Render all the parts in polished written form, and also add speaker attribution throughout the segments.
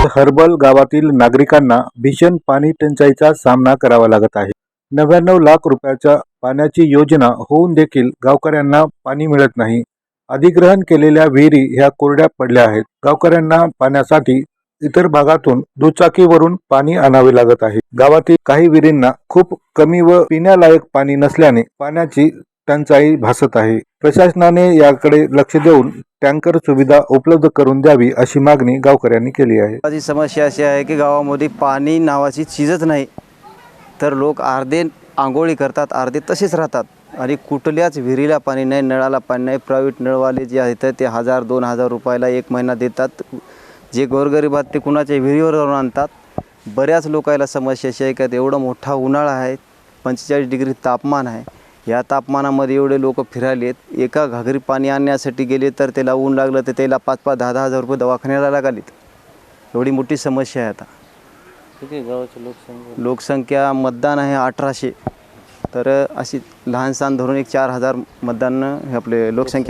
Speaker 1: Herbal गावातील नागरिकांना भीषण पाणी टंचाईचा सामना करावा लागत आहे. 99 लाख रुपयाच्या पाण्याची योजना होऊन देखील गावकऱ्यांना पाणी मिळत नाही. अधिग्रहण केलेल्या विहिरी ह्या कोरड्या पडल्या आहेत. गावकऱ्यांना पाण्यासाठी इतर भागातून दुचाकीवरून पाणी आणावे लागत आहे. गावातील काही विहिरींना खूप कमी व पिण्यालायक पाणी नसल्याने पाण्याची टंचाई भासत आहे. प्रशासनाने याकडे लक्ष देऊन टँकर सुविधा उपलब्ध करून द्यावी अशी मागणी गावकऱ्यांनी केली आहे.
Speaker 2: माझी समस्या अशी आहे की गावामध्ये पाणी नावाची चीजच नाही. तर लोक अर्धे आंघोळी करतात, अर्धे तसेच राहतात आणि कुठल्याच विहिरीला पाणी नाही, नळाला पाणी नाही. प्रायव्हेट नळवाले जे आहेत ते 1000-2000 रुपयाला एक महिना देतात. जे गोरगरीब आहेत ते कुणाच्या विहिरीवरून आणतात. बऱ्याच लोकांना समस्या अशी आहे की एवढा मोठा उन्हाळा आहे, 45 डिग्री तापमान आहे. या तापमानामध्ये एवढे लोक फिरायलेत. एका घागरी पाणी आणण्यासाठी गेले तर त्याला ऊन लागलं तर त्याला 5-5, 10-10 रुपये दवाखान्याला लागलेत. एवढी मोठी समस्या आहे. आता
Speaker 3: किती गावाची
Speaker 2: लोकसंख्या मतदान आहे 1800. तर अशी लहान सहान धरून एक 4000 मतदान हे आपले लोकसंख्या.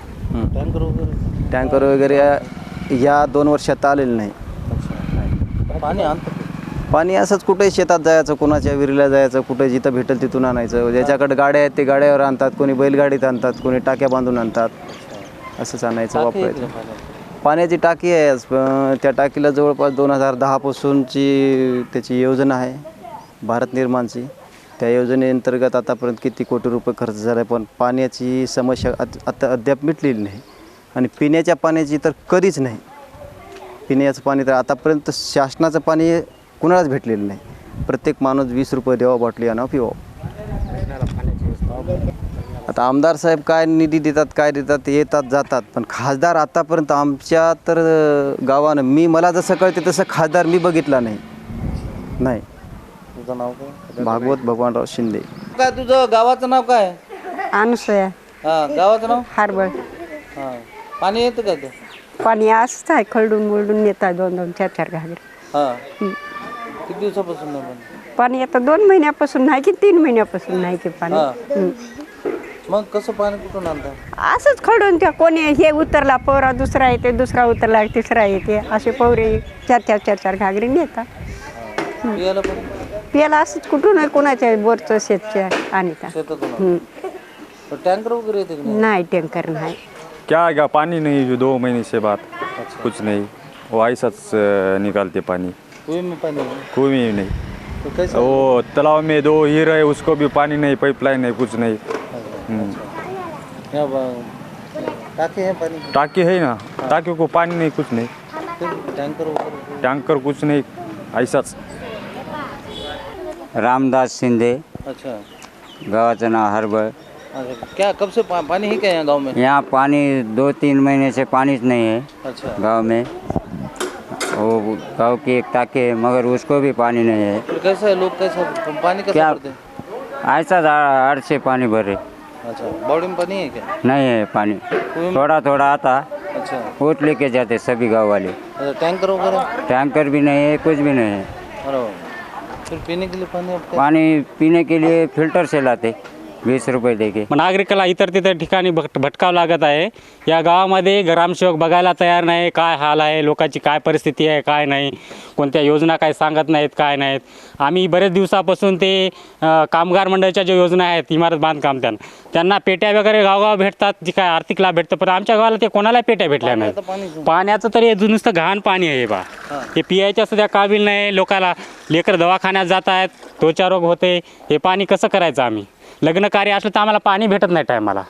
Speaker 2: टँकर वगैरे या 2 वर्षात आलेलं नाही.
Speaker 3: पाणी आणतं
Speaker 2: पाणी असंच कुठे शेतात जायचं, कोणाच्या विहिरीला जायचं, कुठे जिथं भेटेल तिथून आणायचं. ज्याच्याकडे गाड्या आहेत ते गाड्यावर आणतात, कोणी बैलगाडीत आणतात, कोणी टाक्या बांधून आणतात. असंच आणायचं, वापरायचं. पाण्याची टाकी आहे. त्या टाकीला जवळपास 2010 पासूनची त्याची योजना आहे भारत निर्माणची. त्या योजनेअंतर्गत आतापर्यंत किती कोटी रुपये खर्च झाला आहे, पण पाण्याची समस्या आता अद्याप मिटलेली नाही. आणि पिण्याच्या पाण्याची तर कधीच नाही. पिण्याचं पाणी तर आतापर्यंत शासनाचं पाणी कुणालाच भेटलेलं नाही. प्रत्येक माणूस 20 रुपये द्यावा बाटली आणा पिवा. आता आमदार साहेब काय निधी देतात, काय देतात, येतात जातात, पण खासदार आतापर्यंत आमच्या तर गावानं मला जसं कळते तसं खासदार मी बघितला नाही.
Speaker 3: तुझं नाव काय?
Speaker 2: भागवत भगवानराव शिंदे.
Speaker 3: काय तुझं गावाचं नाव काय?
Speaker 4: अनुसया
Speaker 3: हां, गावाचं नाव?
Speaker 4: हार्बर.
Speaker 3: हां, पाणी येतं का ते?
Speaker 4: पाणी असंच आहे, खरडून मुरडून येतात 2-2, 4-4 घागरे.
Speaker 3: हां, किती दिवसापासून नाही पाणी?
Speaker 4: पाणी आता 2 महिन्यापासून नाही की 3 महिन्यापासून नाही की पाणी.
Speaker 3: हां. मग कसं पाणी कुठून आणतात?
Speaker 4: असंच खरडून त्या कोणी हे उतरला पोरा दुसरा येते, दुसरा उतरला तिसरा येते, असे पवरे 4-4 घागरे नेतात.
Speaker 3: पियाला पण
Speaker 4: पियाला असंच कुठून कोणाच्या बोरचं शेतच्या आणता.
Speaker 3: शेतातून टँकर वगैरे येते की नाही?
Speaker 4: नाही टँकर नाही.
Speaker 5: क्या पानी नहीं, जो 2 महीने से बात कुछ नहीं, वो ऐसा निकालते पानी.
Speaker 3: कुएं में पानी है?
Speaker 5: कुएं में नहीं,
Speaker 3: तो कैसे?
Speaker 5: वो तालाब में 2 हीर है, उसको भी पानी नहीं, पाइपलाइन नहीं, कुछ नहीं.
Speaker 3: यहाँ टाके हैं पानी की?
Speaker 5: टाकी है ना, टाकी को पानी नहीं, कुछ नहीं.
Speaker 3: फिर टैंकर वगैरह?
Speaker 5: टैंकर कुछ नहीं, ऐसाच.
Speaker 6: रामदास शिंदे,
Speaker 3: अच्छा
Speaker 6: गाँव नाम हर्बल.
Speaker 3: अच्छा, क्या कब से पानी है क्या यहाँ गांव में?
Speaker 6: यहाँ पानी 2-3 महीने से पानी नहीं है
Speaker 3: अच्छा,
Speaker 6: गांव में. वो गांव की एक टाकी है मगर उसको भी पानी नहीं है.
Speaker 3: फिर कैसा है, लोग कैसा पानी कैसा
Speaker 6: क्या?
Speaker 3: भरते हैं?
Speaker 6: ऐसा हर से पानी भरे
Speaker 3: अच्छा, बॉडी में पानी है क्या?
Speaker 6: नहीं है पानी.
Speaker 3: कुएं में?
Speaker 6: थोड़ा थोड़ा आता,
Speaker 3: अच्छा,
Speaker 6: वो लेके जाते सभी गांव वाले.
Speaker 3: अच्छा, टैंकर वगैरह?
Speaker 6: टैंकर भी नहीं है, कुछ भी नहीं है.
Speaker 3: अरे फिर पीने के लिए पानी आपका?
Speaker 6: पानी पीने के लिए फिल्टर से लाते 20 रुपये देके.
Speaker 7: नागरिकाला इतर तितर ठिकाणी भटकावं लागत आहे. या गावामध्ये ग्रामसेवक बघायला तयार नाही. काय हाल आहे, लोकांची काय परिस्थिती आहे, काय नाही, कोणत्या योजना काय सांगत नाहीत, काय नाहीत. आम्ही बरेच दिवसापासून ते कामगार मंडळाच्या ज्या योजना आहेत, इमारत बांधकाम त्यांना पेट्या वगैरे गावगाव भेटतात, जी काय आर्थिक लाभ भेटतं, पण आमच्या गावाला ते कोणाला पेट्या भेटल्या नाहीत. पाण्याचं तरी नुसतं घाण पाणी आहे बा. ते पियायच्या सुद्धा काबिल नाही. लोकाला लेकर दवाखान्यात जात आहेत, त्वचा रोग होते. हे पाणी कसं करायचं आम्ही? लग्न कार्य असलं तर आम्हाला पाणी भेटत नाही टायमाला.